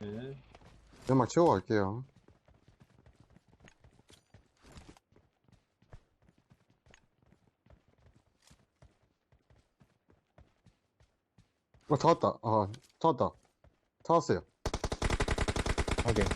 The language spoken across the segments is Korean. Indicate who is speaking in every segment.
Speaker 1: 네.
Speaker 2: 연막 치고 갈게요. 잡았다. 잡았다. 잡았어요.
Speaker 3: 확인.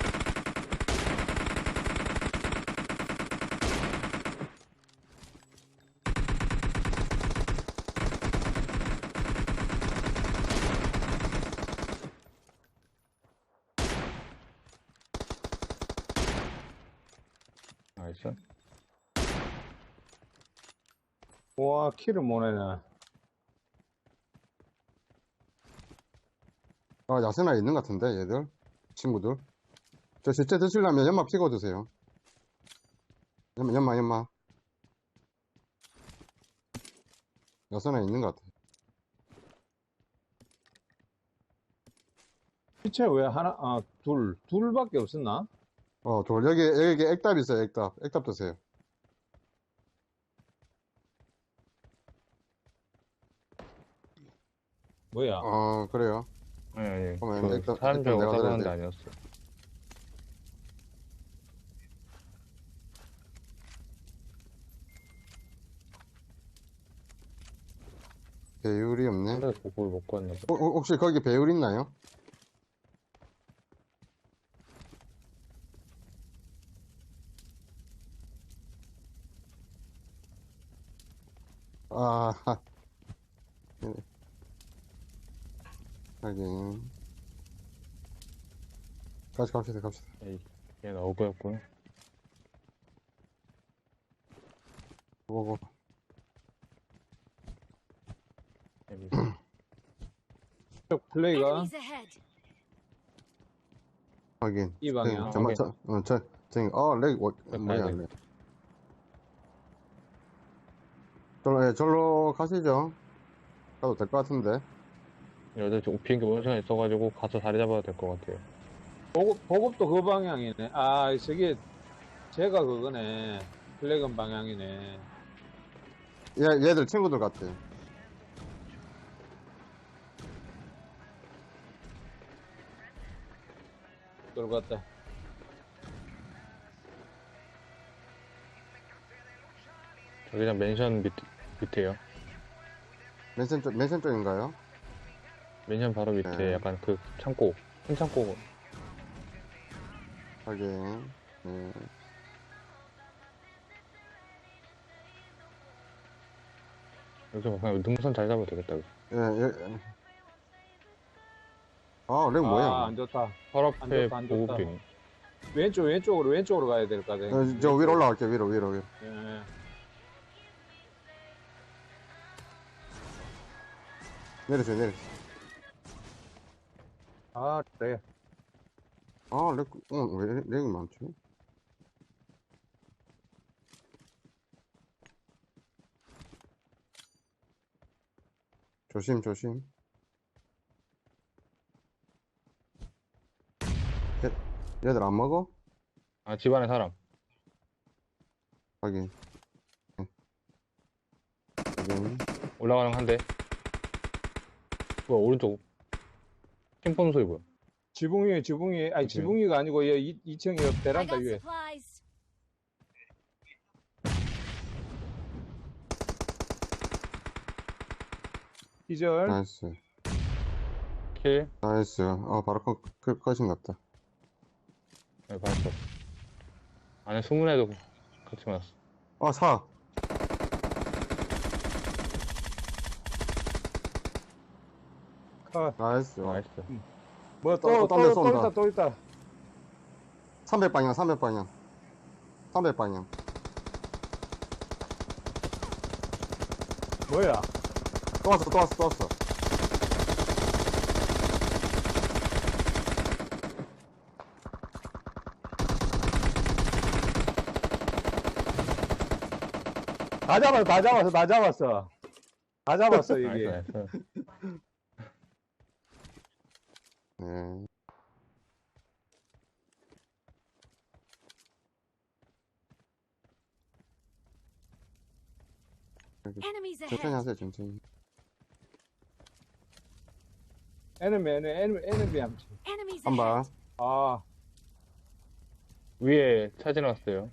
Speaker 3: 나이스.
Speaker 1: 와, 키를 못 내네.
Speaker 2: 야생화 있는 것 같은데, 얘들. 친구들. 저 실제 드시려면 연막 피고 드세요. 연막. 야생화 있는 것 같아.
Speaker 1: 시체 왜 둘밖에 없었나?
Speaker 2: 여기 액답 있어요, 액답. 액답 드세요.
Speaker 1: 뭐야?
Speaker 2: 그래요.
Speaker 3: 아니,
Speaker 2: 그러면
Speaker 3: 사람 줄 알고
Speaker 2: 내가 들어야
Speaker 3: 따라오는데
Speaker 2: 돼.
Speaker 3: 아니었어.
Speaker 2: 배율이 없네.
Speaker 3: 원래 그걸 먹고 왔나 봐.
Speaker 2: 혹시 거기 배율 있나요? 아, 네. 하긴. 갑시다.
Speaker 3: 에이, 얘는 어그였군.
Speaker 2: 고고.
Speaker 3: 여기.
Speaker 1: 쪽 플레이가
Speaker 4: Enemies ahead.
Speaker 2: 하긴.
Speaker 1: 이 방향.
Speaker 3: 확인.
Speaker 2: 렉, 뭐야,
Speaker 3: 돼.
Speaker 2: 렉. 절로 가시죠. 가도 될 것 같은데.
Speaker 3: 여자 비행기 오는 시간 있어가지고 가서 자리 잡아야 될 것 같아요.
Speaker 1: 보급도 그 방향이네. 아, 저게, 제가 그거네. 플래그 방향이네.
Speaker 2: 얘들 친구들 같아.
Speaker 1: 들어갔다.
Speaker 3: 저기 그냥 맨션 밑에요.
Speaker 2: 맨션 쪽인가요?
Speaker 3: 맨션 바로 밑에
Speaker 2: 네.
Speaker 3: 약간 그 창고, 큰 창고.
Speaker 2: 하긴. 네.
Speaker 3: 여기서 그냥 능선 잘 잡아도 되겠다. 여기.
Speaker 2: 예. 렉 뭐야?
Speaker 1: 아, 안 좋다.
Speaker 3: 바로
Speaker 1: 안
Speaker 3: 앞에
Speaker 1: 좋다, 안 좋다.
Speaker 3: 보급균이.
Speaker 1: 왼쪽으로 가야 될 것 같아.
Speaker 2: 저 위로 올라갈게, 위로.
Speaker 1: 예.
Speaker 2: 내리세요.
Speaker 1: 아, 그래.
Speaker 2: 왜 렉이 많지? 조심. 얘들 안 먹어?
Speaker 3: 아, 집안에 사람.
Speaker 2: 하긴. 하긴.
Speaker 3: 올라가는 거 한 대. 뭐야, 오른쪽. 핑폰 소리 뭐야?
Speaker 1: 지붕 위에, 아니, 지붕 위가 아니고, 2층에
Speaker 4: I
Speaker 1: 베란다
Speaker 4: got
Speaker 1: 위에.
Speaker 4: supplies.
Speaker 1: 기절.
Speaker 2: 나이스.
Speaker 3: 킬?
Speaker 2: 바로 컷인 것 같다.
Speaker 3: 네, 봤어. 안에 숨은 애도 같이 맞았어.
Speaker 2: 사. 나이스.
Speaker 3: 나이스.
Speaker 1: 뭐,
Speaker 2: 딴데 쏜다.
Speaker 1: 또 있다.
Speaker 2: 300방향. 300방향.
Speaker 1: 뭐야?
Speaker 2: 또 왔어.
Speaker 1: 다 잡았어, 이게.
Speaker 3: 나이스.
Speaker 2: 네.
Speaker 4: Enemies
Speaker 2: 천천히
Speaker 4: ahead.
Speaker 2: 하세요, 천천히.
Speaker 1: 에너미 함치.
Speaker 4: Enemies
Speaker 2: 한 발.
Speaker 4: ahead.
Speaker 1: 아,
Speaker 3: 위에 차 지나갔어요.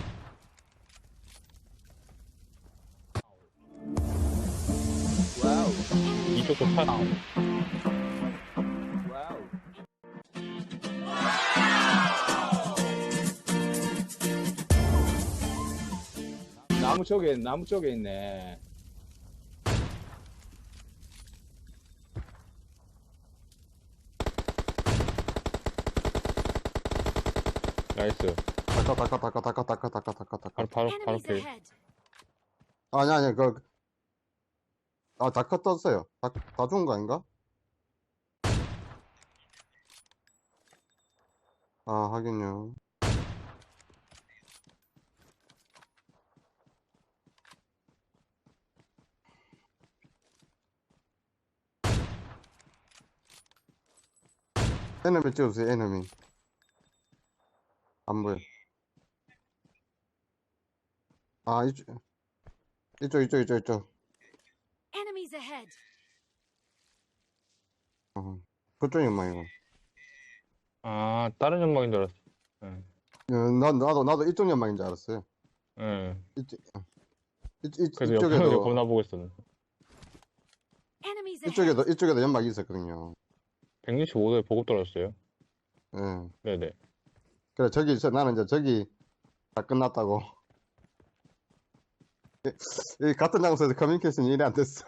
Speaker 1: 와우,
Speaker 3: 이쪽도 차.
Speaker 1: 와우. 나무 쪽에 있네.
Speaker 3: 나이스.
Speaker 2: 다카.
Speaker 3: 바로
Speaker 4: Enemies
Speaker 3: 길.
Speaker 4: ahead.
Speaker 2: 아니, 다카 떴어요. 다 죽은 거 아닌가? 아, 하긴요. 에너미 찍어주세요, 에너미. 안 보여. 아, 이쪽.
Speaker 4: Enemies ahead.
Speaker 2: 그쪽 연막이고.
Speaker 3: 아, 다른 연막인 줄 알았어. 응.
Speaker 2: 나도 이쪽 연막인 줄 알았어요.
Speaker 3: 응. 그래서 옆에서
Speaker 2: 이쪽에도,
Speaker 3: 겁나 보고 있었는데.
Speaker 4: Enemies ahead.
Speaker 2: 이쪽에도 연막이 있었거든요.
Speaker 3: 165도에 보급 떨어졌어요.
Speaker 2: 예.
Speaker 3: 네네.
Speaker 2: 그래, 나는 이제 저기 다 끝났다고. 이 같은 장소에서 커뮤니케이션이 일이 안 됐어.